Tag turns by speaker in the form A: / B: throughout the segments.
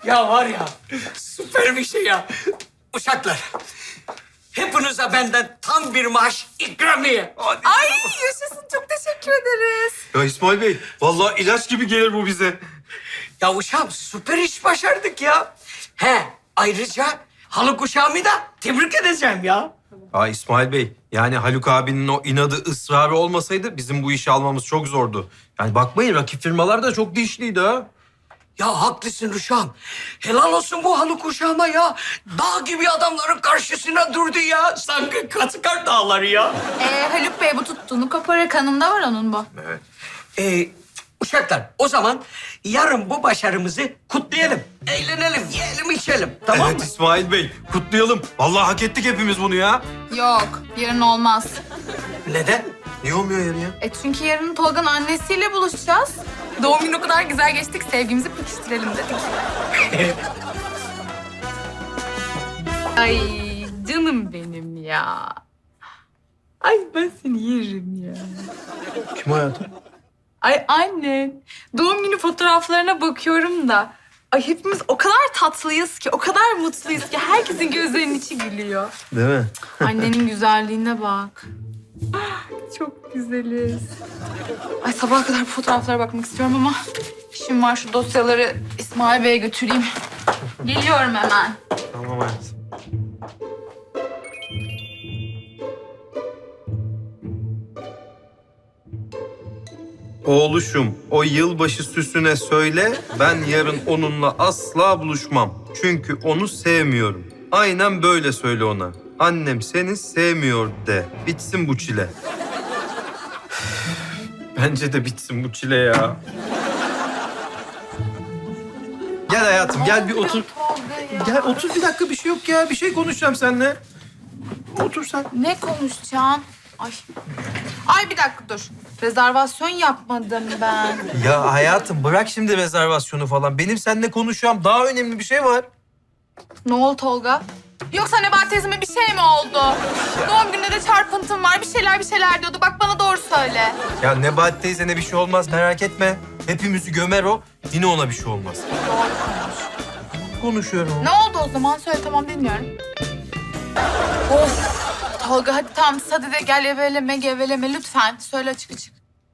A: Ya var ya, süper bir şey ya. Uşaklar, hepinize benden tam bir maaş ikramiye. Hadi.
B: Ay yaşasın, çok teşekkür ederiz.
C: Ya İsmail Bey, vallahi ilaç gibi gelir bu bize.
A: Ya uşağım süper iş başardık ya. He, ayrıca Haluk uşağımı da tebrik edeceğim ya.
C: Aa İsmail Bey, yani Haluk abinin o inadı, ısrarı olmasaydı bizim bu işi almamız çok zordu. Yani bakmayın, rakip firmalar da çok dişliydi ha.
A: Ya haklısın uşağım. Helal olsun bu Haluk uşağıma ya. Dağ gibi adamların karşısına durdu ya. Sanki Katıkar dağları ya.
B: Haluk Bey bu tuttuğunu koparır, kanında var onun bu.
A: Uşaklar o zaman yarın bu başarımızı kutlayalım. Eğlenelim, yiyelim, içelim. Tamam
C: Evet
A: mı?
C: İsmail Bey, kutlayalım. Vallahi hak ettik hepimiz bunu ya.
B: Yok, yarın olmaz.
A: Neden?
C: Niye olmuyor yarın ya?
B: Çünkü yarın Tolga'nın annesiyle buluşacağız. Doğum günü o kadar güzel geçtik, sevgimizi pekiştirelim dedik. Ay canım benim ya. Ay ben seni yerim ya.
C: Kim hayatım?
B: Ay annen. Doğum günü fotoğraflarına bakıyorum da. Ay hepimiz o kadar tatlıyız ki, o kadar mutluyuz ki herkesin gözlerinin içi gülüyor.
C: Değil mi?
B: Annenin güzelliğine bak. Ah, çok güzeliz. Ay sabaha kadar bu fotoğraflara bakmak istiyorum ama işim var, şu dosyaları İsmail Bey'e götüreyim. Geliyorum hemen.
C: Tamam hayatım. Oğluşum, o yılbaşı süsüne söyle, ben yarın onunla asla buluşmam. Çünkü onu sevmiyorum. Aynen böyle söyle ona. Annem seni sevmiyor de. Bitsin bu çile. Bence de bitsin bu çile ya. Gel hayatım, gel bir otur. Gel otur bir dakika, bir şey yok ya. Bir şey konuşacağım seninle. Otur sen.
B: Ne konuşacaksın? Ay. Ay bir dakika dur. Rezervasyon yapmadım ben.
C: Ya hayatım bırak şimdi rezervasyonu falan. Benim seninle konuşacağım daha önemli bir şey var.
B: Ne oldu Tolga? Yoksa Nebahat teyzeme bir şey mi oldu? Doğum gününde de çarpıntım var. Bir şeyler diyordu. Bak bana doğru söyle.
C: Ya Nebahat teyzene bir şey olmaz merak etme. Hepimizi gömer o. Yine ona bir şey olmaz.
B: Doğru konuş.
C: Konuşuyorum.
B: Ne oldu o zaman? Söyle tamam dinliyorum. Of. Tolga hadi tamam sadede gel eveleme geveleme lütfen. Söyle açık açık.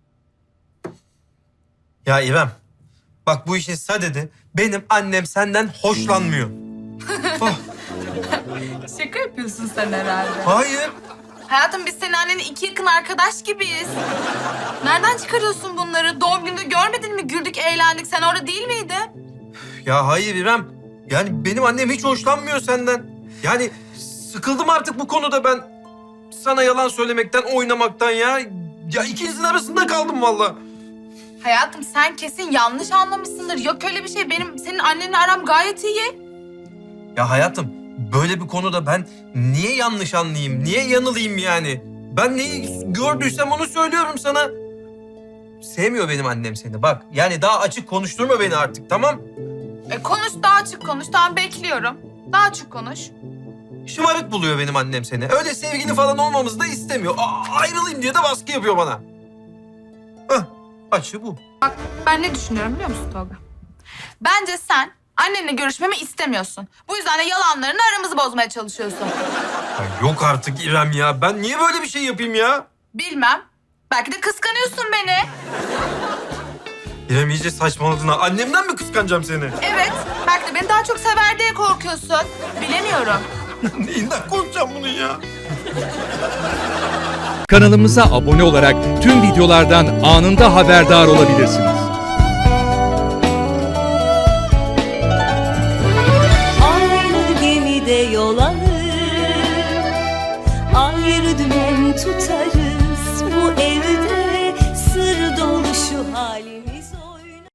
C: Ya İrem. Bak bu işin sadedi. Benim annem senden hoşlanmıyor. Oh,
B: Şaka yapıyorsun sen herhalde.
C: hayır.
B: Hayatım biz senin annenin iki yakın arkadaş gibiyiz. Nereden çıkarıyorsun bunları? Doğum gününde görmedin mi? Güldük, eğlendik. Sen orada değil miydin?
C: Ya hayır İrem. Yani benim annem hiç hoşlanmıyor senden. Yani sıkıldım artık bu konuda ben. Sana yalan söylemekten, oynamaktan ya. Ya ikinizin arasında kaldım vallahi.
B: Hayatım sen kesin yanlış anlamışsındır. Yok öyle bir şey. Benim senin annenle aram gayet iyi.
C: Ya hayatım böyle bir konuda ben niye yanlış anlayayım, niye yanılayım yani? Ben neyi gördüysem onu söylüyorum sana. Sevmiyor benim annem seni bak. Yani daha açık konuşturma beni artık tamam?
B: Konuş daha açık konuş. Tamam bekliyorum. Daha açık konuş.
C: Şımarık buluyor benim annem seni. Öyle sevgili falan olmamızı da istemiyor. Ayrılayım diye de baskı yapıyor bana. Hah, açığı bu.
B: Ben ne düşünüyorum biliyor musun Tolga? Bence sen annenle görüşmemi istemiyorsun. Bu yüzden de yalanlarını aramızı bozmaya çalışıyorsun.
C: Ya yok artık İrem ya. Ben niye böyle bir şey yapayım ya?
B: Bilmem. Belki de kıskanıyorsun beni.
C: İrem iyice saçmaladın ha. Annemden mi kıskanacağım seni?
B: Evet. Belki de beni daha çok sever diye korkuyorsun. Bilemiyorum.
C: Neyinden korkacağım bunun ya?
D: Kanalımıza abone olarak tüm videolardan anında haberdar olabilirsiniz.
E: Aynı gemide yol alır, ayrı dümen tutarız. Bu evde sır dolu şu halimiz.